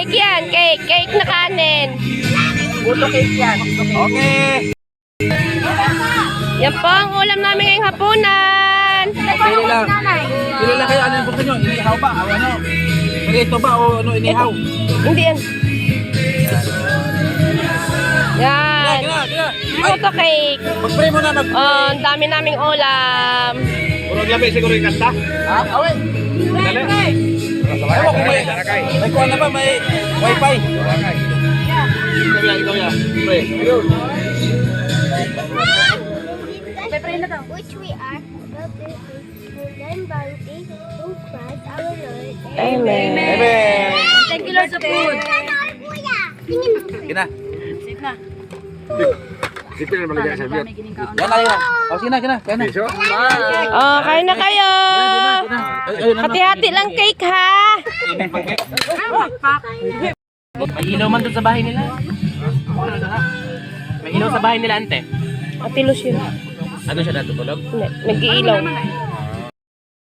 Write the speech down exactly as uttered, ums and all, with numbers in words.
Cake yan, cake. Cake na kanin. Buto cake yan. Okay. Yan po ang ulam namin ngayong hapunan. Pili lang. Pili lang kayo. Ano yung gusto nyo? Inihaw ba? O ano? Perito ba o ano inihaw? Hindi yan. Yan. Kina, kina. Puto cake. Mag-pray mo na. Mag Oh, ang dami naming ulam. Puro labi siguro yung kanta. Ha? Away. Dali. Ewan kung may, may kuha na ba? May wifi. Ikaw yan, ikaw yan. Pray. Which we are, brothers and then bounty in Christ our Lord. Amen. Amen. Thank you Lord sa food. Kina. Sit na. Dito na malagay sa biyot. Yan na yan. O sige na, kina. Kaya na. Piso? Oh, kain na kayo. Ay, ayun, ano? Hati-hati lang cake ha. May ilaw man doon sa bahay nila. May ilaw sa bahay nila, ante. Atilos yun. Ano siya natutulog? Hindi, nag-iilaw.